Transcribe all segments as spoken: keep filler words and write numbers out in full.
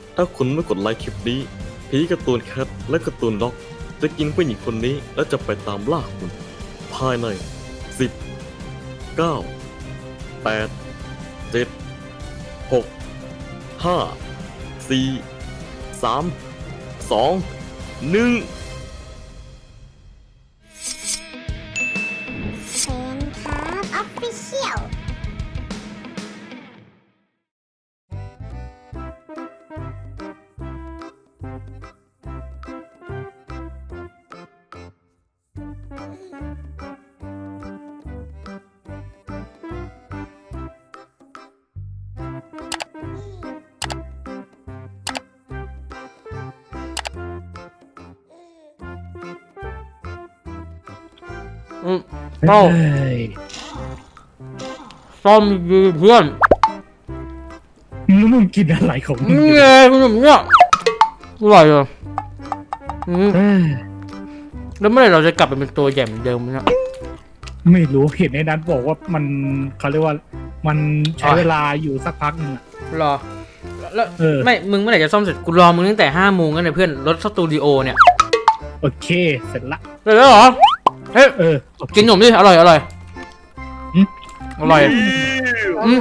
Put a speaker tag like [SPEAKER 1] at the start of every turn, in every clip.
[SPEAKER 1] ถ้าคุณไม่กดไลค์คลิปนี้ผีการ์ตูนแคทและการ์ตูนด็อกจะกินผู้หญิงคนนี้และจะไปตามล่าคุณภายในสิบ เก้า แปด เจ็ด หก ห้า สี่ สาม สอง หนึ่ง
[SPEAKER 2] เซนครับออฟฟิเชียล
[SPEAKER 3] อืมเป้าซ่อมดีเพื่อน
[SPEAKER 4] มึงมึงกินอะไรของมึง
[SPEAKER 3] นี่
[SPEAKER 4] อยู่
[SPEAKER 3] ไงคุณแบบเนี้ยอร่อยอ่ะอืม
[SPEAKER 4] เอ้ย
[SPEAKER 3] แล้วเมื่อไหร่เราจะกลับไปเป็นตัวใหญ่เหมือนเดิมเนี่ย
[SPEAKER 4] ไม่รู้เห็นในนั้นบอกว่ามันเขาเรียกว่ามันใช้
[SPEAKER 3] อ๋อ
[SPEAKER 4] เวลาอยู่สักพักหนึงอะ
[SPEAKER 3] รอแล้ว
[SPEAKER 4] เออ
[SPEAKER 3] ไม่มึงเมื่อไหร่จะซ่อมเสร็จกูรอมึงตั้งแต่ห้าโมงกันเลยเพื่อนรถสตูดิโอเนี่ย
[SPEAKER 4] โอเคเสร็จละ
[SPEAKER 3] เสร็จแล้วเหรอเฮ้ย
[SPEAKER 4] เออโอเค
[SPEAKER 3] กินขนมดิอร่อยอร่อย
[SPEAKER 4] อืม
[SPEAKER 3] อร่อยอืม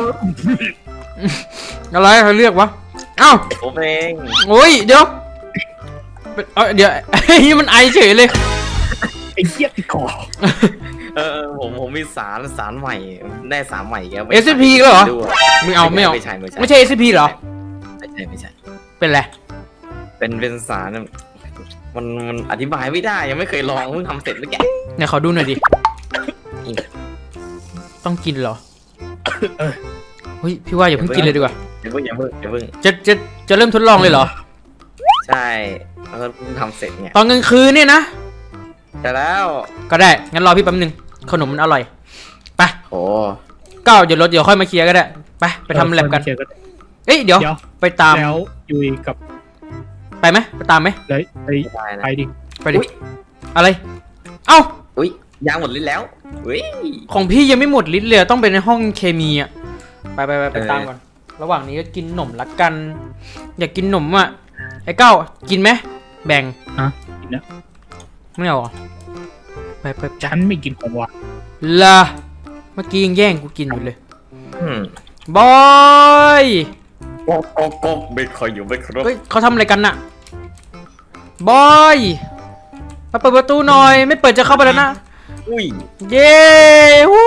[SPEAKER 3] อะไรเขาเรียกวะเอ้า
[SPEAKER 1] ผมเอง
[SPEAKER 3] โอ้ยเดี๋ยวเป็นเอ้ยเดี๋ยวไอ้นี่มันไอเฉยเลย
[SPEAKER 4] ไอ้เหี้ยติดคอ
[SPEAKER 1] เออผมผมมีสารสารใหม่ได้สารใหม่แก
[SPEAKER 3] เอสพีก็เหรอไม่เอาไม่เอา
[SPEAKER 1] ไม่ใช่ไม่ใช่
[SPEAKER 3] ไม่ใช่ เอส พี เหรอ
[SPEAKER 1] ไม่ใช่ไม่ใช่
[SPEAKER 3] เป็นไร
[SPEAKER 1] เป็นเป็นสารมันมันอธิบายไม่ได้ยังไม่เคยลองเพิ่งทำเสร็จแล้วแก
[SPEAKER 3] ไหนขอดูหน่อยดิ ต้องกินเหรอเฮ้ยพี่ว่าอย่าเพิ่งกินเลยดีกว่า
[SPEAKER 1] อย่าเพิ่งอย่าเพิ่งอย่าเพิ่ง
[SPEAKER 3] จะจะจะเริ่มทดลองเลยเหรอ
[SPEAKER 1] ใช่แล้วก็เพิ่งทำเสร็จไง
[SPEAKER 3] ตอนกลางคืนเนี่ยนะ
[SPEAKER 1] แต่แล้ว
[SPEAKER 3] ก็ได้ งั้นรอพี่แป๊บนึง ขนมมันอร่อย ไป
[SPEAKER 1] โอ้
[SPEAKER 3] ก้าวเดี๋ยวรถเดี๋ยวค่อยมาเคลียร์ก็ได้ ไป ไปทำแลบกัน
[SPEAKER 4] เออค
[SPEAKER 3] เอ้ย เดี๋ยว
[SPEAKER 4] เดี๋ยว
[SPEAKER 3] ไปตาม
[SPEAKER 4] แล้วยุยกับ
[SPEAKER 3] ไปไหมไปตามไหม
[SPEAKER 4] เลยไป
[SPEAKER 1] ได้นะ
[SPEAKER 4] ไปดิ
[SPEAKER 3] ไปดิ อะไร เอ้า
[SPEAKER 1] อุ้ยยางหมดลิ้นแล้วอุ้ย
[SPEAKER 3] ของพี่ยังไม่หมดลิตรเลยต้องไปในห้องเคมีอ่ะ ไปไปไปไป
[SPEAKER 1] เออ
[SPEAKER 3] ตามก่อน ระหว่างนี้ก็กินหนมละกัน อยากกินหนมอ่ะ ไอ้ก้าวกินไหมแบ่ง
[SPEAKER 4] ฮะกินนะ
[SPEAKER 3] ไม่เอาเหรอไปไปไป
[SPEAKER 4] ฉันไม่กินของหวาน
[SPEAKER 3] ละเมื่อกี้ยังแย่งกูกินอยู่เลย
[SPEAKER 1] อืม
[SPEAKER 3] บอย
[SPEAKER 1] โป๊กโป๊กโป๊กไม่คอยอยู่ไม่ครบ
[SPEAKER 3] เฮ้ยเขาทำอะไรกันน่ะ บอยมาเปิดประตูหน่อย ไม่เปิดจะเข้าไปแล้วนะ
[SPEAKER 1] อุ้ย
[SPEAKER 3] เย้ฮู้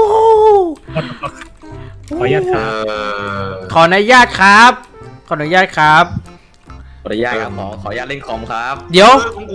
[SPEAKER 4] ขออนุญาตค
[SPEAKER 1] เอ
[SPEAKER 4] รับ
[SPEAKER 1] อ
[SPEAKER 3] ขออนุญาตครับ ขออนุญาตครับ
[SPEAKER 1] ขออนุญาตครับขอขออนุญาตเล่นคอมครับ
[SPEAKER 3] เดี๋ยว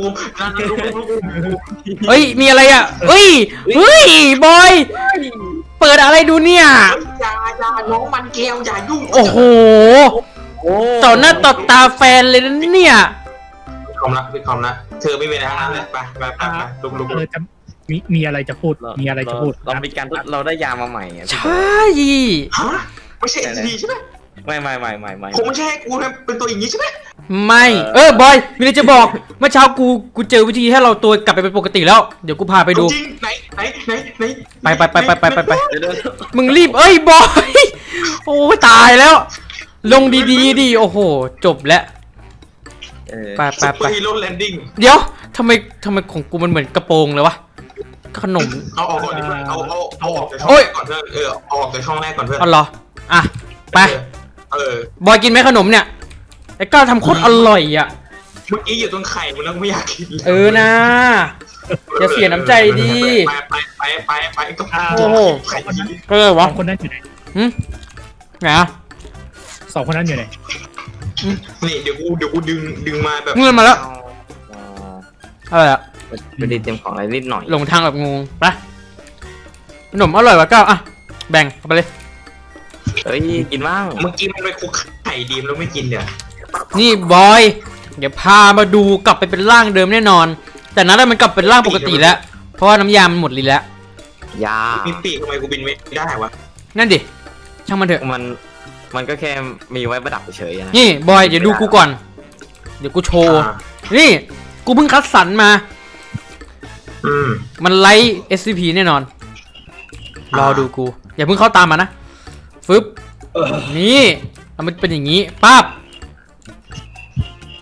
[SPEAKER 3] เฮ้ย มีอะไรอ่ะเฮ้ย เฮ้ย บอย เปิดอะไรดูเนี่ย
[SPEAKER 5] อย่าอย่าน้องมันแก้วอย่ายุ่ง
[SPEAKER 3] โอ้โห
[SPEAKER 1] โอ้
[SPEAKER 3] ต่อหน้าต่อตาแฟนเลยนะเนี่ย
[SPEAKER 5] พี่คอมละพี่คอมละเธอไม่เป็นอะไรทั้งนั้นเลยไปไปไปไปลุกลุก
[SPEAKER 4] เออจะมีมีอะไรจะพูดมีอะไรจะพูด
[SPEAKER 1] เราเรามีการทดเราได้ยามาใหม่อะ
[SPEAKER 3] ใช่
[SPEAKER 5] ฮะไม่ใช่เอสดีใช่ไหม
[SPEAKER 1] ไม่ไม่ไม่ไม่ไม่
[SPEAKER 5] คงไม่ใช่ให้กูนะเป็นตัวอย่างนี้ใช่ไหม
[SPEAKER 3] ไม่ เออบอย มีอะไรจะบอก เมื่อเช้ากู กูเจอวิธีให้เราตัวกลับไปเป็นปกติแล้ว เดี๋ยวกูพาไปดู
[SPEAKER 5] จริงไหนไหนไหนไหน
[SPEAKER 3] ไปไปไปไปไปไปไป
[SPEAKER 1] เดี๋ยวเดี๋ยว
[SPEAKER 3] มึงรีบ เอ้ย บอย โอ้ตายแล้ว ลงดีๆดิ โอ้โห จบแล้ว
[SPEAKER 1] เออ
[SPEAKER 3] ไปไป
[SPEAKER 5] ซุปเป
[SPEAKER 3] ไป
[SPEAKER 5] อร์ฮีโร่แลนดิ้ง
[SPEAKER 3] เดี๋ยวทำไมทำไมของกูมันเหมือนกระโปรงเลยวะ ขนม
[SPEAKER 5] เอาออกก่อนดิเพื่อนเอาเอาเอาออกจากช่อง
[SPEAKER 3] โอ้
[SPEAKER 5] แร
[SPEAKER 3] ย
[SPEAKER 5] กก่อนเพื่อนเออเอาออกจากช่องแรกก่อนเพื่อน
[SPEAKER 3] อ๋อเหรอ อ่ะ ไป
[SPEAKER 5] เออ
[SPEAKER 3] บอยกินไหมขนมเนี่ย ไอ้ก้าวทำโคตรอร่อยอ่ะ
[SPEAKER 5] เมื่อกี้อยู่ตรงไข่มันแล้วไม่อยากกินลย
[SPEAKER 3] เออนะอย่าเสียน้ำใจดี
[SPEAKER 5] ไปไปไปไปไปก็
[SPEAKER 3] โอ้โห
[SPEAKER 5] ไข่ดี
[SPEAKER 3] ก็เล
[SPEAKER 4] ส
[SPEAKER 3] วะ
[SPEAKER 4] องคนนั้นอยู่ไหน
[SPEAKER 3] หึไงอะ
[SPEAKER 4] สองคนนั้นอยู่ไหน
[SPEAKER 5] นี่เดี๋ยวกูเดี๋ยวกูดึงดึงมาแบบ
[SPEAKER 3] เงินมาแล้ว
[SPEAKER 1] เอา
[SPEAKER 3] อะไรอะ
[SPEAKER 1] ไม่ได้เตรียมของอะไรนิดหน่อย
[SPEAKER 3] หลงทางแบบงงไปขนมอร่อยวะก้าวอ่ะ แบ่งเอาไปเลย
[SPEAKER 1] เฮ้ยกินบ้าง
[SPEAKER 5] เมื่อกี้มันไปคุกไข่ดีมแล้วไม่กินเดี๋ยว
[SPEAKER 3] นี่บอย เดี๋ยวพามาดูกลับไปเป็นร่างเดิมแน่นอน แต่นั้นมันกลับเป็นร่างปกติแล้ว เพราะว่าน้ำยามันหมดลิ้นแล้ว
[SPEAKER 1] ยา
[SPEAKER 5] มีปีกทำไมกูบินไม่ได้วะ
[SPEAKER 3] นั่นดิ ช่างมันเถอะ
[SPEAKER 1] มันมันก็แค่มีไว้ประดับเฉยๆนะ
[SPEAKER 3] นี่บอยเดี๋ยวดูกูก่อน เดี๋ยวกูโชว์
[SPEAKER 5] อ่า
[SPEAKER 3] นี่ กูเพิ่งคัดสรรมา
[SPEAKER 5] อืม
[SPEAKER 3] มันไลท์ เอส ซี พี แน่นอน รอดูกู อย่าเพิ่งเข้าตามมานะ ฟึบนี่แล้วมันเป็นอย่างนี้ปั๊บ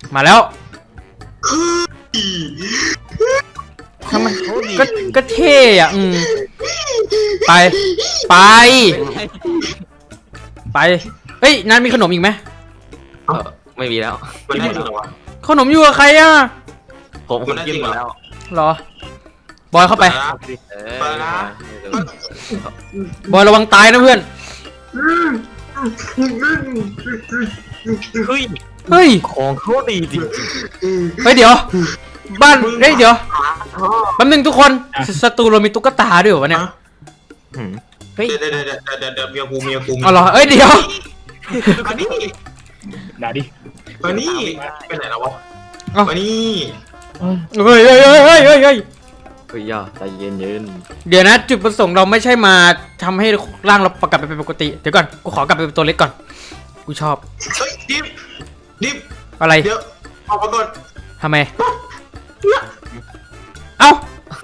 [SPEAKER 3] มาแล้วทำไมก็ก็เท่อะอืมไปไปไปเฮ้ยนัทมีขนมอีกไหม
[SPEAKER 6] เออไม่มีแล้ว
[SPEAKER 5] มันได้จริงเหรอวะ
[SPEAKER 3] ขนมอยู่กับใครอะ
[SPEAKER 6] ผมผมกินหมดแล้ว
[SPEAKER 3] เหรอ บอยเข้าไป
[SPEAKER 6] เออ
[SPEAKER 5] ไปนะ
[SPEAKER 3] บอยระวังตายนะเพื่อน
[SPEAKER 6] เฮ้ย
[SPEAKER 3] เฮ้ย
[SPEAKER 6] ของเขาดีจริง
[SPEAKER 3] เฮ้ยเดี๋ยว บ้านเฮ้ยเดี๋ยวแป๊บนึงทุกคนสตูเรามีตุ๊กตาด้วยเหรอวะเนี่ย
[SPEAKER 6] ๆหืมเฮ้ย
[SPEAKER 5] เดี๋ยวเดี๋ยวเดี๋ยวเดี๋ยวเดี๋ยวเมียกูเมียกู
[SPEAKER 3] เอาเหรอเอ้ยเดี๋ยว
[SPEAKER 5] มานี่
[SPEAKER 4] ด่าดิ
[SPEAKER 5] มานี่ไปไหนแล้ววะ
[SPEAKER 3] เอ้า
[SPEAKER 5] มานี่
[SPEAKER 4] เออ
[SPEAKER 3] เฮ้ยเฮ้ยเฮ้ยเฮ้ยเฮ้ยเฮ้ย
[SPEAKER 6] เฮ้ยย่าใจเย็นเย็น
[SPEAKER 3] เดี๋ยวนะจุดประสงค์เราไม่ใช่มาทำให้ร่างเรากลับไปเป็นปกติเดี๋ยวก่อนกูขอกลับไปเป็นตัวเล็กก่อนกูชอบ
[SPEAKER 5] เฮ้ยดิบดิบ
[SPEAKER 3] อะไร
[SPEAKER 5] เดี๋ยวออกมาก่อน
[SPEAKER 3] ทำไมเอ้า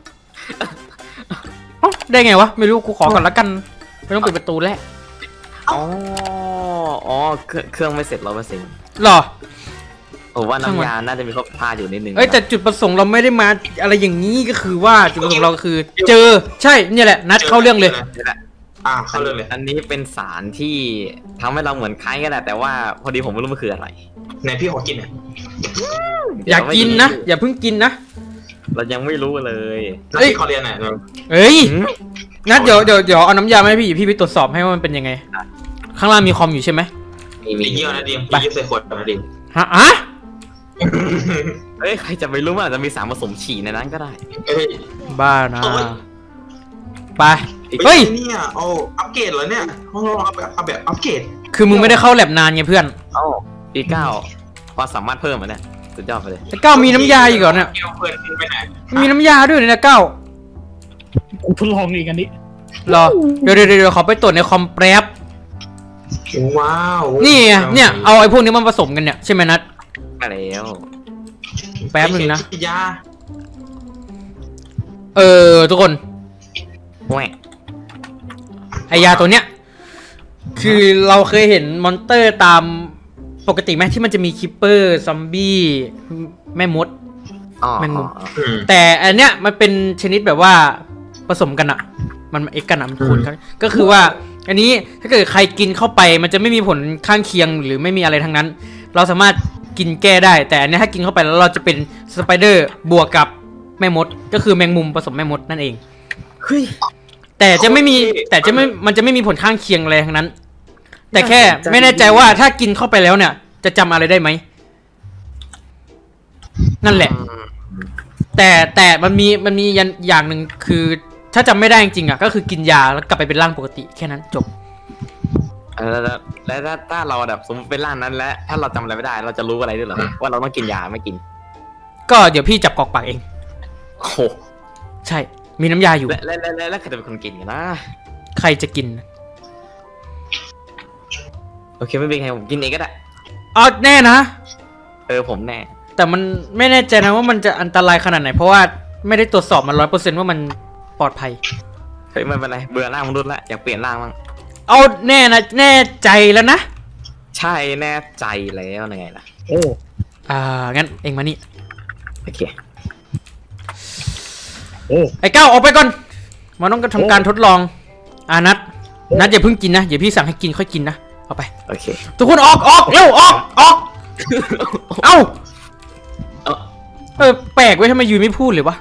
[SPEAKER 3] เอ้าได้ไงวะไม่รู้กูขอก่อนละกันไม่ต้องปิดประตูแล้ว
[SPEAKER 6] อ๋ออ๋อเครื่องเครื่องไม่เสร็จร้อยเปอร์เซ็นต์
[SPEAKER 3] หรอ
[SPEAKER 6] ผมว่า
[SPEAKER 3] ช่างมัน
[SPEAKER 6] น้ำยาน่าจะมีข้อพลาดอยู่นิดนึง
[SPEAKER 3] เอ้ยแต่จุดประสงค์เราไม่ได้มาอะไรอย่างนี้ก็คือว่าจุดประสงค์เราก็คือ เจอใช่เนี่ยแหละนัดเข้าเรื่องเลย
[SPEAKER 6] นี่แหละ
[SPEAKER 5] อ่าเข้าเรื่องเลย
[SPEAKER 6] อันนี้เป็นสารที่ทำให้เราเหมือนคล้ายกันแหละแต่ว่าพอดีผมไม่รู้มันคืออะไร
[SPEAKER 5] ไหนพี่ขอกินหน่อย
[SPEAKER 3] อย่ากินนะอย่าเพิ่งกินนะ
[SPEAKER 6] เรายังไม่รู้เลย
[SPEAKER 5] แล้ว
[SPEAKER 3] เอ้ย
[SPEAKER 5] พี่ขอเรียนหน่อย
[SPEAKER 3] เอ้ยนัดเดี๋ยวเดี๋ยวเดี๋ยวเอาน้ำยามาให้พี่พี่ไปตรวจสอบให้ว่ามันเป็นยังไง ข้างล่างมีคอมอยู่ใช่ไหม
[SPEAKER 6] มีมี
[SPEAKER 5] ไอ้เยี่ยวนะดิม
[SPEAKER 3] ไป
[SPEAKER 5] ไอ้เยี่ยวใส่ขวดนะดิม
[SPEAKER 3] ฮะอะ
[SPEAKER 6] เอ้ยใครจะไปรู้ว่าอาจจะมีสารผสมฉี่ในนั้นก็ได้
[SPEAKER 5] เอ้ย
[SPEAKER 3] บ้านะ
[SPEAKER 5] โอ้ย
[SPEAKER 3] ไป
[SPEAKER 5] เฮ้
[SPEAKER 3] เฮ้
[SPEAKER 5] ย
[SPEAKER 3] ย
[SPEAKER 5] เนี่ยเอาอัปเกรดเหรอเนี่ยเอาเอาแบบเอาแบบอัปเกรด
[SPEAKER 3] คือมึงไม่ได้เข้าแลบนานไงเพื่อน
[SPEAKER 6] เอ้าปีเก้าความสามารถเพิ่มอ่ะเนี่ยสุดยอดไปเลย
[SPEAKER 3] ไอ้เก้ามีน้ำยาอีกเหรอเนี่ย
[SPEAKER 5] เกี่ยวเพื่อนไปไหน
[SPEAKER 3] มีน้ำยาด้วยเนี่ยเก้า
[SPEAKER 4] กูทดลองอีกอันนี้
[SPEAKER 3] รอเดี๋ยวเดี๋ยวเดี๋ยวขอไปตรวจในคอมแป๊บ
[SPEAKER 5] ว้าว
[SPEAKER 3] นี่ไงเนี่ยเอาไอ้พวกนี้มาผสมกันเนี่ยใช่ไหมนัด
[SPEAKER 6] มาแล้ว
[SPEAKER 3] แป๊บนึงนะ
[SPEAKER 5] ฉีดยา
[SPEAKER 3] เออทุกคน
[SPEAKER 6] แหวก
[SPEAKER 3] ไอยาตัวเนี้ยคือเราเคยเห็นมอนเตอร์ตามปกติไหมที่มันจะมีคิปเปอร์ซอมบี้แม่มด
[SPEAKER 6] อ๋อ
[SPEAKER 3] แมงมุม
[SPEAKER 6] อ๋อ
[SPEAKER 5] อืม
[SPEAKER 3] แต่อันเนี้ยมันเป็นชนิดแบบว่าผสมกันอะมันเอ็กกันอะมันคูณกันก็คือว่า อันนี้ถ้าเกิดใครกินเข้าไปมันจะไม่มีผลข้างเคียงหรือไม่มีอะไรทั้งนั้น เราสามารถกินแก้ได้ แต่อันเนี้ยถ้ากินเข้าไปแล้วเราจะเป็นสไปเดอร์บวกกับแม่มด ก็คือแมงมุมผสมแม่มดนั่นเอง
[SPEAKER 6] เฮ้ย
[SPEAKER 3] แต่จะไม่มีแต่จะไม่มันจะไม่มีผลข้างเคียงอะไรทั้งนั้น แต่แค่ไม่แน่ใจว่าถ้ากินเข้าไปแล้วเนี่ย จะจำอะไรได้ไหมนั่นแหละ แต่แต่มันมีมันมียันอย่างหนึ่งคือ ถ้าจำไม่ได้จริงๆอ่ะก็คือกินยาแล้วกลับไปเป็นร่างปกติแค่นั้นจบ
[SPEAKER 6] เออแล้วแล้วถ้าถ้าเราแบบสมมติเป็นร่างนั้นแล้วถ้าเราจำอะไรไม่ได้ เราจะรู้อะไรด้วยเหรอว่าเราต้องกินยาไม่กิน
[SPEAKER 3] ก็เดี๋ยวพี่จับกอกปากเอง
[SPEAKER 6] โอ้โห
[SPEAKER 3] ใช่ มีน้ำยาอยู่
[SPEAKER 6] และและและและและใครจะเป็นคนกินกันนะ
[SPEAKER 3] ใครจะกิน
[SPEAKER 6] โอเคไม่เป็นไรผมกินเองก็ได้
[SPEAKER 3] เอาแน่นะ
[SPEAKER 6] เออผมแน่
[SPEAKER 3] แต่มันไม่แน่ใจนะว่ามันจะอันตรายขนาดไหน เพราะว่าไม่ได้ตรวจสอบมันร้อยเปอร์เซ็นต์ว่ามันปลอดภัย
[SPEAKER 6] เฮ้ยไม่เป็นไรเบื่อร่างมนุษย์ละอยากเปลี่ยนร่างบ้าง
[SPEAKER 3] เอาแน่นะแน่ใจแล้วนะ
[SPEAKER 6] ใช่แน่ใจแล้วยังไงล่ะ
[SPEAKER 4] โอ้
[SPEAKER 3] อ่างั้นเองมานี่
[SPEAKER 6] โอเค
[SPEAKER 4] โอ้
[SPEAKER 3] ไอ้ก้าวออกไปก่อนมันต้องทำการทดลองอ่านัดนัดอย่าเพิ่งกินนะอย่าพี่สั่งให้กินค่อยกินนะเอาไป
[SPEAKER 6] โอเค
[SPEAKER 3] ทุกคนออกออกเร็วออกออกเอ้า
[SPEAKER 6] เอ้า
[SPEAKER 3] เออแปลกเว้ยทำไมยูไม่พูดเลยวะ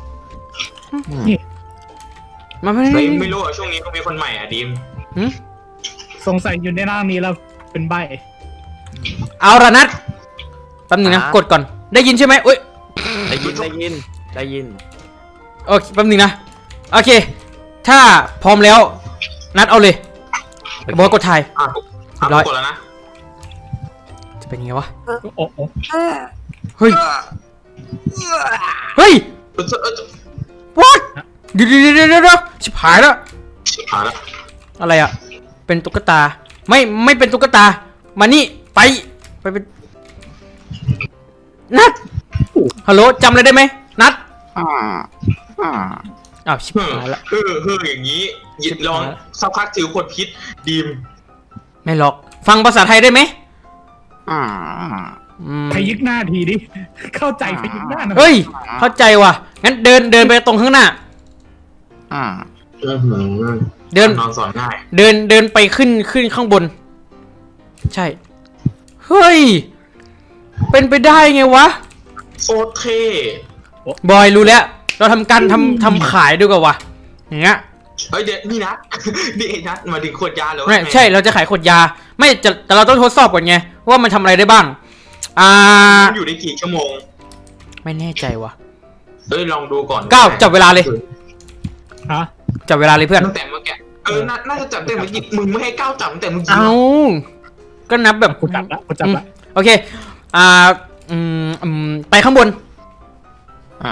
[SPEAKER 3] มันไม่
[SPEAKER 5] ไม่
[SPEAKER 3] ได้
[SPEAKER 5] ไม่รู้อ่ะช่วงนี้ก็มีคนใหม่อ่ะดิม
[SPEAKER 3] หึ
[SPEAKER 4] สงสัยอยู่ในร่างนี้แล้วเป็นใบ
[SPEAKER 3] เอาละนัดแป๊บนึงนะกดก่อนได้ยินใช่ไหมเอ้ย
[SPEAKER 6] ได้ยินได้ยินได้ยิน
[SPEAKER 3] โอเคแป๊บนึงนะโอเค ถ้าพร้อมแล้วนัดเอาเลยบอยกดถ่าย
[SPEAKER 5] อ่ะ
[SPEAKER 3] เรียบร้อย
[SPEAKER 5] กดแล้วนะ
[SPEAKER 3] จะเป็นยังไงวะ
[SPEAKER 4] โอ้โอ้
[SPEAKER 3] เฮ้ยเฮ้ย
[SPEAKER 5] เออเออ
[SPEAKER 3] what เดี๋ยวเดี๋ยวเดี๋ยวเดี๋ยวชิบหายแล้ว
[SPEAKER 5] ชิบหายแล้ว
[SPEAKER 3] อะไรอ่ะ เป็นตุ๊กตา ไม่ ไม่เป็นตุ๊กตา มานี่ ไป ไปเป็น นัด ฮัลโหลจำอะไรได้ไหม นัด อ้าว ชิบ
[SPEAKER 5] เฮ้อ
[SPEAKER 3] หายละ
[SPEAKER 5] เฮ้อเฮ้ออย่างนี้หยิบลองสักพักถือขวดพิษดิม
[SPEAKER 3] ไม่หรอก ฟังภาษาไทยได้ไหม อืม
[SPEAKER 4] พยิกหน้าทีดิเข้าใจพยิกหน้าหน่อย
[SPEAKER 3] เฮ้ย เข้าใจว่ะ งั้นเดินเดินไปตรงข้างหน้า
[SPEAKER 6] อ่า
[SPEAKER 5] อื้อหือ
[SPEAKER 3] เดิน
[SPEAKER 5] นอนสอนง่าย
[SPEAKER 3] เดินเดินไปขึ้นขึ้นข้างบน ใช่ เฮ้ย เป็นไปได้ไงวะ
[SPEAKER 5] โคตรเท่
[SPEAKER 3] บอยรู้แล้ว เราทำการทำทำขายด้วยกันวะอย่างเงี้ย
[SPEAKER 5] เฮ้ยเดี๋ยวนี่นะ นี่ไอ้นัดมาถึงขวดยาแล้ว
[SPEAKER 3] ไม่ใช่เราจะขายขวดยา ไม่จะแต่เราต้องทดสอบก่อนไงว่ามันทำอะไรได้บ้าง อ่า
[SPEAKER 5] มันอยู่ได้กี่ชั่วโมง
[SPEAKER 3] ไม่แน่ใจวะ
[SPEAKER 5] เอ้ยลองดูก่อน
[SPEAKER 3] ก้าวจับเวลาเลย
[SPEAKER 4] ฮะ
[SPEAKER 3] จับเวลาเลยเพื่อน
[SPEAKER 5] ตั้งแต่เมื่อกี้เออน่าน่าจะจับตั้งแต่เมื่อกี้มึงไม่ให้ก้าวจับตั้งแต่เมื่อกี้
[SPEAKER 3] เอาก็นับแบบ
[SPEAKER 4] กูจับละกูจับละ
[SPEAKER 3] โอเค อ่า อืมอืมไปข้างบน
[SPEAKER 6] อ่า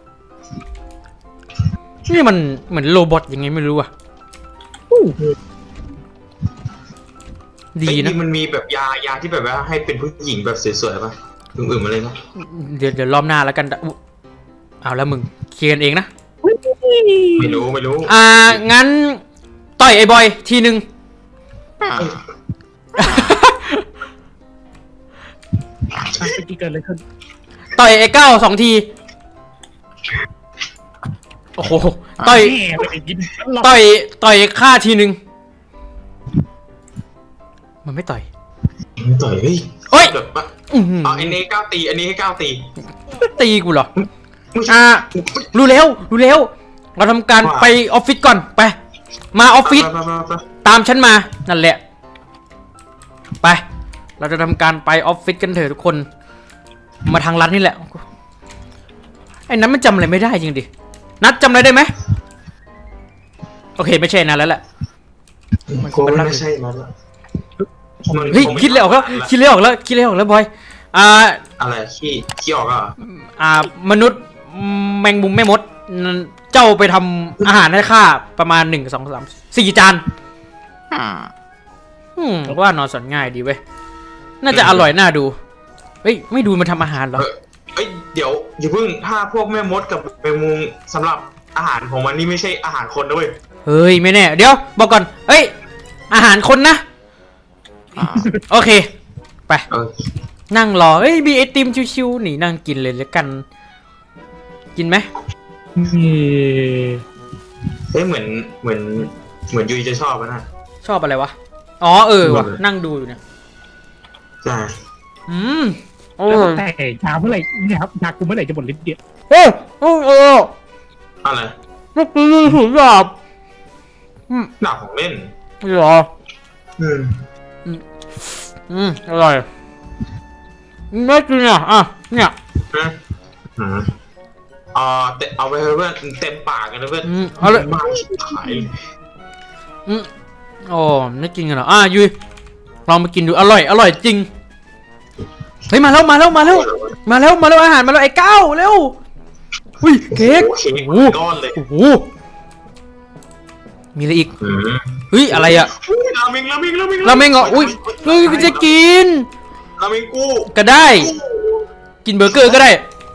[SPEAKER 3] นี่มันเหมือนโรบอทยังไงไม่รู้อะดี
[SPEAKER 5] เอ้ย
[SPEAKER 3] นะ
[SPEAKER 5] มันมีแบบยายาที่แบบว่าให้เป็นผู้หญิงแบบสวยๆป่ะอื่นๆมาเลยนะ
[SPEAKER 3] เดี๋ยวเดี๋ยวรอบหน้าแล้วกันอุ๊เอาแล้วมึงเคลียร์กันเองนะ
[SPEAKER 5] ไม่รู้ไม่รู้
[SPEAKER 3] อ่า งั้น ต่อยไอ้บอยทีหนึ่ง
[SPEAKER 6] อ่า
[SPEAKER 4] อ่ะเมื่อกี้เกิดอะไรขึ้น
[SPEAKER 3] ต่อยไอ้เก้าสองที โอ้โห ต่อย
[SPEAKER 4] แม่ไม่ได้ยินหรอก
[SPEAKER 3] ต่อย ต่อยฆ่าทีหนึ่ง มันไม่ต่อย
[SPEAKER 5] ไม่ต่อยเฮ้ย
[SPEAKER 3] เฮ้ย
[SPEAKER 5] แบบว่า
[SPEAKER 3] อื้อหือ
[SPEAKER 5] เอาอันนี้ก้าวตีอันนี้ให้ก้าวตี
[SPEAKER 3] ตีกูเหรอ
[SPEAKER 5] ไม่ใช่
[SPEAKER 3] อ่า รู้แล้ว รู้แล้ว เราทำการ
[SPEAKER 5] ว่า
[SPEAKER 3] ไปออฟฟิศก่อน ไป มาออฟฟิศ
[SPEAKER 5] ไปไปไป
[SPEAKER 3] ตามฉันมา นั่นแหละ ไป เราจะทำการไปออฟฟิศกันเถอะทุกคน มาทางรัฐนี่แหละ ไอ้นั้นมันจำอะไรไม่ได้จริงดิ นัดจำอะไรได้ไหม โอเคไม่ใช่นัดแล้วแหละ มันคงเป็นรัฐ
[SPEAKER 5] ไม่ใช่นะมัน
[SPEAKER 3] เฮ้ย
[SPEAKER 5] งไม่
[SPEAKER 3] คิดเลยออกแล้ว คิดเลยออกแล้ว คิดเลยออกแล้วบอย อ่า
[SPEAKER 5] อะไรขี้ขี้ออกอ่ะ
[SPEAKER 3] อ่ามนุษย์แมงมุมแม่มด เจ้าไปทำอาหารให้ข้าประมาณหนึ่งสองสามสี่จาน
[SPEAKER 6] อ่า
[SPEAKER 3] อืมว่านอนสอนง่ายดีเว้ย น่าจะอร่อยน่าดู เฮ้ย ไม่ดูมันทำอาหารเหรอ
[SPEAKER 5] เออเอ้ยเดี๋ยวอย่าเพิ่งถ้าพวกแม่มดกับแมงมุมสำหรับอาหารของมันนี่ไม่ใช่อาหารคนนะเว้ย
[SPEAKER 3] เฮ้ย ไม่แน่ เดี๋ยว บอกก่อน เฮ้ย อาหารคนนะ
[SPEAKER 6] อ่า
[SPEAKER 3] โอเค ไป
[SPEAKER 5] เออ
[SPEAKER 3] นั่งรอ เฮ้ย มีไอติมชิวๆหนีนั่งกินเลยแล้วกัน กินไหม
[SPEAKER 4] นี่
[SPEAKER 5] เฮ้ยเหมือนเหมือนเหมือนยุยจะชอบอะนะ
[SPEAKER 3] ชอบอะไรวะ อ๋อ เออว่ะ นั่งดูอยู่เนี่ย
[SPEAKER 5] ใช่
[SPEAKER 3] อืมโอ้
[SPEAKER 4] แล้ว
[SPEAKER 3] ย
[SPEAKER 4] แต่ยาเมื่อไหร่เนี่ยครับยากูเมื่อไหร่จะหมดฤทธิ์เดียว
[SPEAKER 3] โอ้ยโอ้ยโอ้ย
[SPEAKER 5] อะไร
[SPEAKER 3] เมื่อกี้มีถุงดาบอืม
[SPEAKER 5] หนักของเล่น
[SPEAKER 3] เหรอ
[SPEAKER 5] อืม
[SPEAKER 3] อืม อร่อยไม่กินอ่ะ อ่ะ เนี่ย
[SPEAKER 5] นะอืมอ่าแต่เอาไปเถอะเพื่อนเต็มปากกันนะเพื่อน
[SPEAKER 3] อืมเอาเลย
[SPEAKER 5] มากชิบหาย
[SPEAKER 3] อืมโอ้ไม่กินกันเหรอ อ่ะยุยลองมากินดู อร่อย อร่อยจริง เฮ้ย มาแล้ว มาแล้ว มาแล้ว มาแล้ว มาแล้วอาหารมาแล้วไอ้ก้าวเร็ว อุ้ย เค้ก
[SPEAKER 5] โอเค
[SPEAKER 3] โอ้โห
[SPEAKER 5] ก้อนเลย
[SPEAKER 3] โอ้โห มีอะไรอีก
[SPEAKER 5] อืม
[SPEAKER 3] เฮ้ย อะไรอะ
[SPEAKER 5] อุ๊ยราเมงราเมงราเมง
[SPEAKER 3] ราเมงเหรออุ้ยเฮ้ยมันจะกิน
[SPEAKER 5] ราเมงกู
[SPEAKER 3] ก็ได้ กินเบอร์เกอร์ก็ได้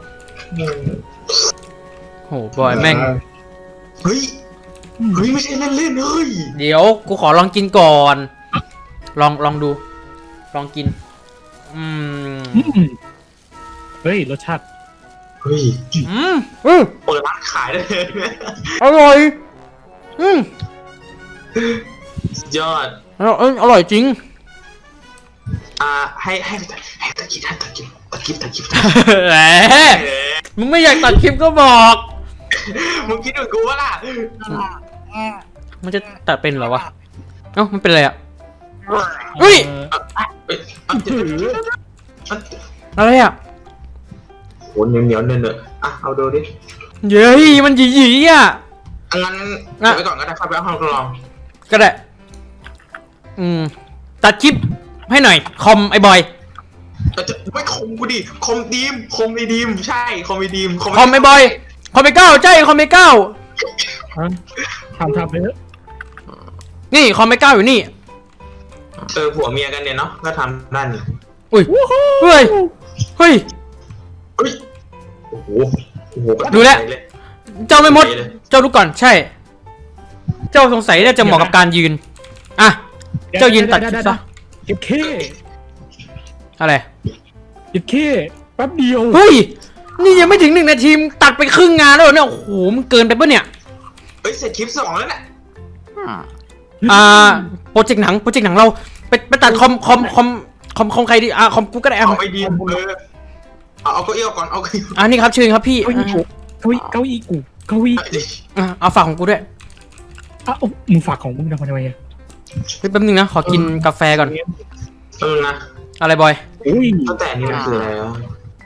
[SPEAKER 3] โห บอยแม่ง
[SPEAKER 5] เฮ้ยเฮ้ยไม่ใช่เล่นเล่นๆเฮ้ย
[SPEAKER 3] เดี๋ยว กูขอลองกินก่อน ลอง ลองดู ลองกิน อืม
[SPEAKER 4] อืมเฮ้ยรสชาติ
[SPEAKER 5] เฮ้ย
[SPEAKER 3] อืมอืม
[SPEAKER 5] เปิดร้านขายได้เลย
[SPEAKER 3] อร่อย อืม
[SPEAKER 5] สุดยอด
[SPEAKER 3] อร่อยเอ้ยอร่อยจริง
[SPEAKER 5] อ่าให้ให้ให้ตะกี้ให้ตะกี้ตะกี้ตะกี้
[SPEAKER 3] แหมมึงไม่อยากตัดคลิปก็บอก
[SPEAKER 5] มึงคิดเหมือนกูวะล่ะ
[SPEAKER 3] มันจะตัดเป็นเหรอวะ เอ้า มันเป็นอะไรอ่ะอุ้ย
[SPEAKER 5] เอ้ยอ่ะเดี๋ยวเดี๋ยวเดี๋ยวเดี๋ยวอ่ะ
[SPEAKER 3] อะไรอ่ะ
[SPEAKER 5] โหเหนียวเหนียวเนื้อเนื้ออ่ะเอาดูดิ
[SPEAKER 3] เย้ยมันหยีหยีอ่ะ
[SPEAKER 5] อ่ะงั้นเก็บไว้ก่อนก็ได้ครับไปเอาห้องทดลอง
[SPEAKER 3] ก็ได้ อืม ตัดคลิปให้หน่อย คอมไอ้บอย
[SPEAKER 5] แต่จะไม่คมกูดิคมดีมคมไอดีมใช่คมไอดีม
[SPEAKER 3] คอมไอ้บอย คอมไอ้เก้าใช่คอมไอ้เก้า
[SPEAKER 4] ฮะทำทำไปเถอะ
[SPEAKER 3] นี่คอมไอ้เก้าอยู่นี่
[SPEAKER 5] เออผัวเมียกันเนี่ยเนาะก็ทำได้นี่
[SPEAKER 3] อุ้ย เฮ้ย เฮ้ย
[SPEAKER 5] เฮ้ยโอ้โหโอ้โห
[SPEAKER 3] ดูแล้ว
[SPEAKER 5] เย
[SPEAKER 3] เจ้าไม่มด
[SPEAKER 5] เลย
[SPEAKER 3] เจ้าดูก่อน ใช่ เจ้าสงสัยน่าจะเหมาะกับการยืน อ่ะ เจ้ายืนตัดคลิปซะ
[SPEAKER 4] เก็บเค
[SPEAKER 3] อะไร
[SPEAKER 4] อีกแค่แป๊บเดียว
[SPEAKER 3] เฮ้ยนี่ยังไม่ถึงหนึ่งนาทีมึงตัดไปครึ่งงานแล้วเหรอเนี่ยโอ้โหมันเกินไปปะเนี่ย
[SPEAKER 5] เฮ้ยเสร็จคลิปสองแล้วเนี่ย
[SPEAKER 3] อ่าโปรเจกต์หนังโปรเจกต์หนังเราไปไปตัดคอมคอมคอมคอมคอมใครดีอ่าคอมกูก็ได้อ่ะ
[SPEAKER 5] เอาไอเดียเออเอาเอาเก้าอี้ก่อนเอาเก้าอี้
[SPEAKER 3] อ่านี่ครับเชิญครับพี่
[SPEAKER 4] เก้าอี้กูเก้าอี้เก้าอี้กูเก้าอี้
[SPEAKER 3] อ่ะเอาฝากของกูด้วย
[SPEAKER 4] อ้าวมึงฝากของมึงทำไมอ่ะ
[SPEAKER 3] เฮ้ยแป๊บนึงนะขอกินกาแฟก่อน
[SPEAKER 5] เออนะ
[SPEAKER 3] อะไรบอย
[SPEAKER 4] อุ้ย
[SPEAKER 5] ตั้งแต่นี้มันคืออะไรวะ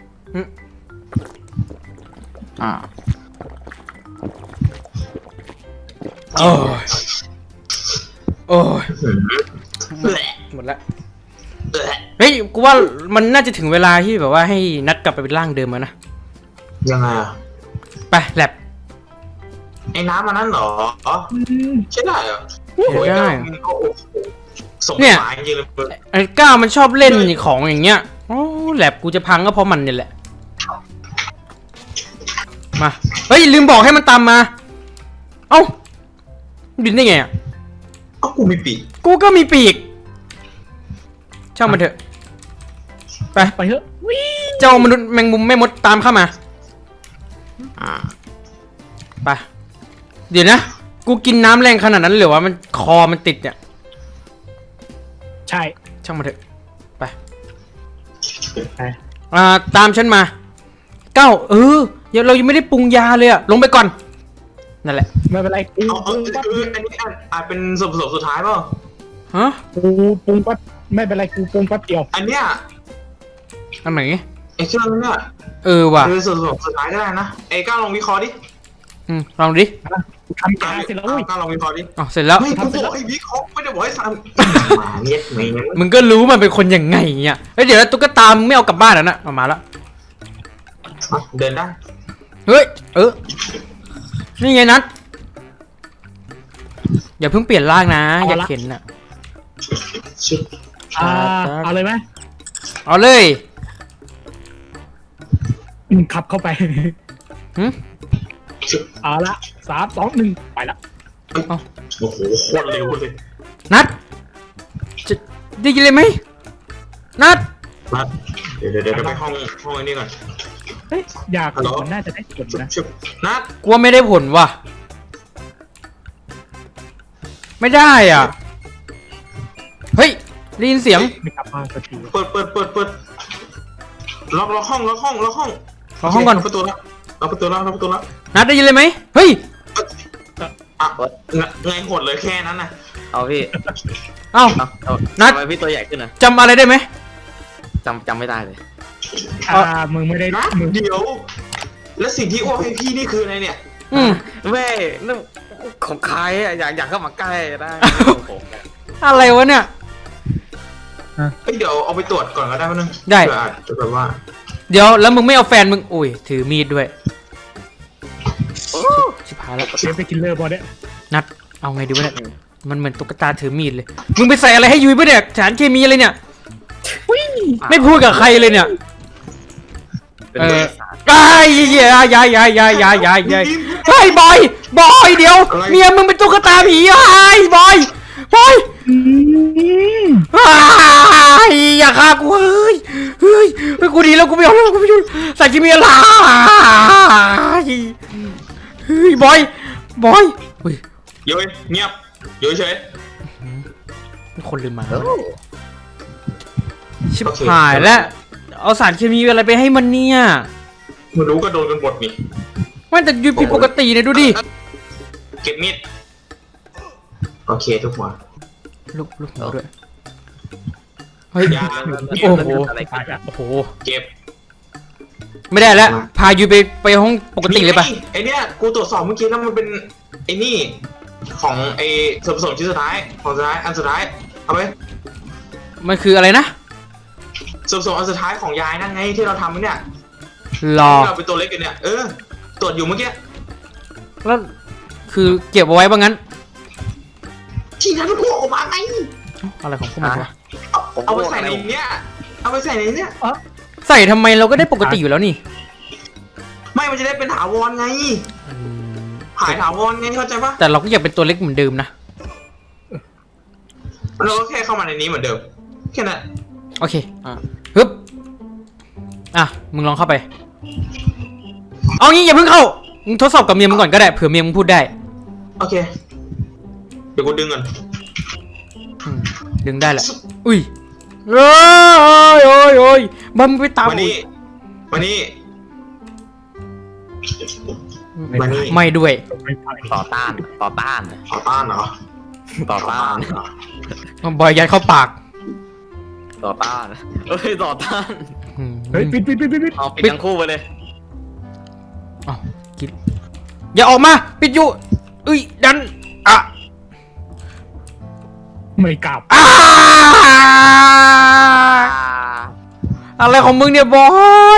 [SPEAKER 6] อ่า
[SPEAKER 3] โอ้ยโอ้ย
[SPEAKER 5] แหละ
[SPEAKER 3] หมดละ
[SPEAKER 5] แหละ
[SPEAKER 3] เฮ้ยกูว่ามันน่าจะถึงเวลาที่แบบว่าให้นัดกลับไปเป็นร่างเดิมแล้วนะ
[SPEAKER 5] ยังไงอ่ะ
[SPEAKER 3] ไปแลบ
[SPEAKER 5] ไอ้น้ำมันนั่นเหรอ
[SPEAKER 4] อืม
[SPEAKER 5] ใช่ได้เหรอ
[SPEAKER 3] ใช้ได้
[SPEAKER 5] โอ้ยก็โอ้โหสง
[SPEAKER 3] เนี่ย
[SPEAKER 5] สารจริงๆเลย
[SPEAKER 3] ไอ้ก้าวมันชอบเล่นของอย่างเงี้ยโอ้แลบกูจะพังก็เพราะมันเนี่ยแหละมาเฮ้ยลืมบอกให้มันตามมาเอ้าบินได้ไงอ่ะ
[SPEAKER 5] เอ้ากูมีปีก
[SPEAKER 3] กูก็มีปีกช่างมันเถอะไป
[SPEAKER 4] ไปเถอะวิ่ง
[SPEAKER 3] เจ้ามนุษย์แมงมุมแม่มดตามเข้ามา
[SPEAKER 6] อ่า
[SPEAKER 3] ไปเดี๋ยวนะกูกินน้ำแรงขนาดนั้นเลยเหรอวะมันคอมันติดเนี่ย
[SPEAKER 4] ใช่
[SPEAKER 3] ช่างมันเถอะไป
[SPEAKER 4] ไป
[SPEAKER 3] อ่าตามฉันมาเก้าเออเดี๋ยวเรายังไม่ได้ปรุงยาเลยอะลงไปก่อนนั่นแหละ
[SPEAKER 4] ไม่เป็นไรกู
[SPEAKER 5] เอา
[SPEAKER 4] ป
[SPEAKER 5] เอา
[SPEAKER 4] รุงแป๊บ
[SPEAKER 5] คืออันนี้อาจอาจเป็นส่วนผสมสุดท้ายเปล่า
[SPEAKER 3] ฮะ
[SPEAKER 4] กูปรุงแป๊บไม่เป็นไรกูปรุงแป๊บเดียว
[SPEAKER 5] อันเนี้ย
[SPEAKER 3] อันไหน
[SPEAKER 5] ไอ้เครื่องเนี่ย
[SPEAKER 3] เออว่ะ
[SPEAKER 5] คือส่วนผสมสุดท้ายก็ได้นะไอ้ก้าวลองวิเคราะห์ดิ
[SPEAKER 3] อืมลองดิ
[SPEAKER 4] กูทำยาเสร็จแล้วอุ้ย
[SPEAKER 5] ก้าวลองวิเคราะห์ดิ
[SPEAKER 3] อ๋อเสร็จแล้ว
[SPEAKER 5] ไม่กูบอกให้วิเคราะห์ไม่ได้บอกให้ทำหมาเนี้ยไม่งั้น
[SPEAKER 3] มึงก็รู้มันเป็นคนยังไงเนี่ยเฮ้ยเดี๋ยวนะตุ๊กตามึงไม่เอากลับบ้านแล้วนะเอามาแล้ว
[SPEAKER 5] อ่ะเดินได้
[SPEAKER 3] เฮ้ยเออนี่ไงนัทอย่าเพิ่งเปลี่ยนร่างนะอยากเห็นน่ะ
[SPEAKER 5] ชิบ
[SPEAKER 4] อ่าเอาเลยไหม
[SPEAKER 3] เอาเลย
[SPEAKER 4] อืมขับเข้าไป
[SPEAKER 3] หึ
[SPEAKER 4] เอาละสามสองหนึ่งไปละ
[SPEAKER 5] โอ้โหโคตรเร็วเลย
[SPEAKER 3] นัทจะได้ยินเลยไหมนัท
[SPEAKER 5] มาเดี๋ยวเดี๋ยวเดี๋ยวไปห้องห้องไอ้นี่ก่อน
[SPEAKER 4] เฮ้ยยา
[SPEAKER 5] ฮัลโหล
[SPEAKER 4] มันน่าจะได้ผลนะ
[SPEAKER 5] ชิบนัด
[SPEAKER 3] กลัวไม่ได้ผลว่ะไม่ได้อ่ะเฮ้ยได้ยินเสียง
[SPEAKER 4] ไม่กลับบ้านสักที
[SPEAKER 5] เปิดเปิดเปิดเปิดล็อกล็อกห้องล็อกห้องล็อกห้อง
[SPEAKER 3] ขอห้องก่อน
[SPEAKER 5] ล็อกประตูแล้วล็อกประตูแล้วล็อกประตูแล้ว
[SPEAKER 3] นัดได้ยินเลยไหมเฮ้ย
[SPEAKER 5] อ่ะไงโหดเลยแค่นั้นน่ะ
[SPEAKER 6] เอาพี่
[SPEAKER 3] เอ้า
[SPEAKER 6] เอาเอา
[SPEAKER 3] นัด
[SPEAKER 6] ทำไมพี่ตัวใหญ่ขึ้นนะ
[SPEAKER 3] จำอะไรได้ไหม
[SPEAKER 6] จำจำไม่ได้เลย
[SPEAKER 4] อ่ามึงไม่ได้
[SPEAKER 5] นัด
[SPEAKER 4] มึง
[SPEAKER 5] เดี๋ยว แล้วสิ่งที่อ้วกให้พี่นี่คืออะไรเนี่ย
[SPEAKER 3] อืม
[SPEAKER 6] แม่นั่นของใครอะอยากอยากเข้ามาใกล้ได้ของผมอะ
[SPEAKER 3] อะไรวะเนี่ย
[SPEAKER 5] เฮ้ยเดี๋ยวเอาไปตรวจก่อนก็ได้ป่ะนึง
[SPEAKER 3] ได้
[SPEAKER 5] เผื่ออาจจะแบบว่า
[SPEAKER 3] เดี๋ยวแล้วมึงไม่เอาแฟนมึงอุ้ยถือมีดด้วยชิบหายแล้ว
[SPEAKER 4] เชฟไปกินเลอร์บอลเนี่ย
[SPEAKER 3] นัดเอาไงดีวะเนี่ยมันเหมือนตุ๊กตาถือมีดเลยมึงไปใส่อะไรให้ยุ้ยปะเนี่ยสารเคมีอะไรเนี่ยไม่พูดกับใครเลยเนี่ย
[SPEAKER 6] เป็น
[SPEAKER 3] เออ
[SPEAKER 6] บริษัท
[SPEAKER 3] ไอ้ยยายยายยายยายยายยายเฮ้ยบอยบอยเดี๋ยวเมียมึงเป็นตุ๊กตาผีไอ้ยบอยบอย
[SPEAKER 4] อืม
[SPEAKER 3] ไอ้ยอย่าฆ่ากูเฮ้ยเฮ้ยเฮ้ยกูดีแล้วกูไม่เอาแล้วกูไม่อยู่ใส่เคมีอะไรเฮ้ยบอยบอยเฮ้ย
[SPEAKER 5] โยยเงียบโยยเฉย
[SPEAKER 3] มีคนลืมมา
[SPEAKER 6] โอ้
[SPEAKER 3] ชิบหายแล้วเอาสารเคมีอะไรไปให้มันเนี่ย
[SPEAKER 5] มันรู้ก็โดนกันหมดนี่
[SPEAKER 3] มันแต่ยุยผิดปกติเนี่ยดูดิ
[SPEAKER 5] เก็บมีดโอเคทุกหัว
[SPEAKER 3] ลุกลุกด้วยเฮ้ย
[SPEAKER 5] ยา
[SPEAKER 3] โอ้โห
[SPEAKER 6] อะไร
[SPEAKER 4] ตายอ่ะ
[SPEAKER 3] โอ้โห
[SPEAKER 5] เก็บ
[SPEAKER 3] ไม่ได้แล้วพายุไปไปห้องปกติเลยปะ
[SPEAKER 5] นี่ไอเนี้ยกูตรวจสอบเมื่อกี้แล้วมันเป็นไอ้นี่ของไอส่วนผสมชิ้นสุดท้ายของสุดท้ายอันสุดท้ายเอาไป
[SPEAKER 3] มันคืออะไรนะ
[SPEAKER 5] ส่วนผสมอันสุดท้ายของยายนั่นไงที่เราทำเนี่ย
[SPEAKER 3] รอ
[SPEAKER 5] ที่เราเป็นตัวเล็กกันเนี่ยเออตรวจอยู่เมื่อกี้
[SPEAKER 3] แล้วคือเก็บเอาไว้บ้างงั้น
[SPEAKER 5] ที่นั้นมันพวกออกมาไง
[SPEAKER 3] อะไรของพวกมันวะ
[SPEAKER 5] เอาเอาไปใส่ในเนี้ยเอาไปใส่ในเนี้ย
[SPEAKER 3] ใส่ทำไมเราก็ได้ปกติอยู่แล้วนี่
[SPEAKER 5] ไม่มันจะได้เป็นถาวรไงหายถาวรไงเข้าใจปะ
[SPEAKER 3] แต่เราก็อยากเป็นตัวเล็กเหมือนเดิมนะ
[SPEAKER 5] เราก็แค่เข้ามาในนี้เหมือนเดิมแค่นั้น
[SPEAKER 3] โอเคฮึบอ่ะมึงลองเข้าไปเอางี้อย่าเพิ่งเข้ามึงทดสอบกับเมียมึงก่อนก็ได้เผื่อเมียมึงพูดได้
[SPEAKER 5] โอเค เดี๋ยวกูดึงก่อน
[SPEAKER 3] อืมดึงได้แหละอุ้ยโอ้ยโอ้ยโอ้ยบัมงไปตาม
[SPEAKER 5] มานี่มานี่ มานี่
[SPEAKER 3] ไม่ด้วย
[SPEAKER 4] ไม่ไป
[SPEAKER 6] ต่อต้านต่อต้าน
[SPEAKER 5] ขอต้านเหรอ
[SPEAKER 6] ต่อต้าน
[SPEAKER 5] เหรอ
[SPEAKER 3] บอยยัดเข้าปาก
[SPEAKER 6] ต่อต้านเอ้ยต่อต้าน
[SPEAKER 3] อืม
[SPEAKER 4] เฮ้ยปิดปิดปิดปิดปิด
[SPEAKER 6] เอาปิดทั้งคู่ไปเลย
[SPEAKER 3] อ้าวกินอย่าออกมาปิดอยู่อุ้ยดันอ่ะ
[SPEAKER 4] ไม่กลับ
[SPEAKER 3] อ่าอะไรของมึงเนี่ยบอย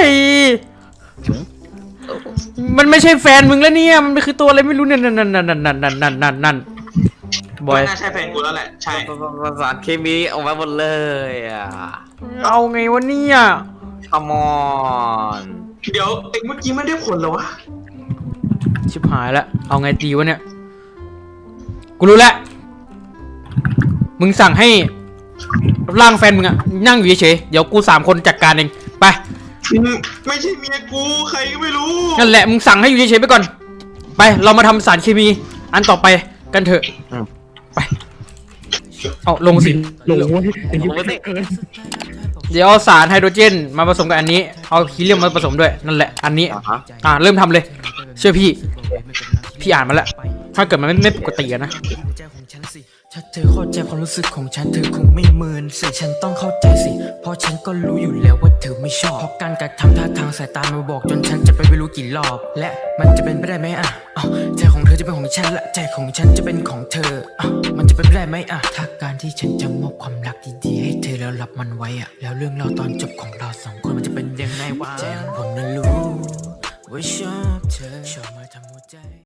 [SPEAKER 3] มันไม่ใช่แฟนมึงแล้วเนี่ยมันคือตัวอะไรไม่รู้เนี่ยนั่นนั่นนั่นนั่นนั่นนั่นนั่นนั่นนั่นบอย
[SPEAKER 5] น่าใช่แฟนกูแล้วแหละ ใช่
[SPEAKER 6] ประสานเคมีออกมาหมดเลยอ่ะ
[SPEAKER 3] เอาไงวะเนี่ย
[SPEAKER 6] come on
[SPEAKER 5] เดี๋ยวไอ้เมื่อกี้ไม่ได้ผลเหรอวะ
[SPEAKER 3] ชิบหายแล้วเอาไงดีวะเนี่ยกูรู้แล้วมึงสั่งให้ร่างแฟนมึงอะนั่งอยู่เฉยๆเดี๋ยวกูสามคนจัดการเองไป
[SPEAKER 5] ไม่ใช่เมียกูใครก็ไม่รู้
[SPEAKER 3] นั่นแหละมึงสั่งให้อยู่เฉยๆไปก่อนไปเรามาทำสารเคมีอันต่อไปกันเถอะไปเอาลงสิ
[SPEAKER 4] ลงเว้ยไอ้เหี้ยเกิน
[SPEAKER 3] เดี๋ยวเอาสารไฮโดรเจนมาผสมกับอันนี้เอาฮีเลียมมาผสมด้วยนั่นแหละอันนี้
[SPEAKER 6] อ่าฮะ
[SPEAKER 3] อ่าเริ่มทำเลยเชื่อพี่พี่อ่านมาแล้วถ้าเกิดมันไม่ไม่ปกติอะนะ
[SPEAKER 7] ถ้าเธอเข้าใจความรู้สึกของฉันเธอคงไม่เมินสิฉันต้องเข้าใจสิเพราะฉันก็รู้อยู่แล้วว่าเธอไม่ชอบเพราะการกระทำท่าทางสายตามาบอกจนฉันจะไปไม่รู้กี่รอบและมันจะเป็นไปได้ไหมอ่ะอ้าวใจของเธอจะเป็นของฉันและใจของฉันจะเป็นของเธออ้าวมันจะเป็นไปได้ไหมอ่ะถ้าการที่ฉันจะมอบความรักดีๆให้เธอแล้วรับมันไว้อ่ะแล้วเรื่องราวตอนจบของเราสองคนมันจะเป็นยังไงวะใจของผมนั้นรู้ว่าชอบเธอชอบมาทำหัวใจ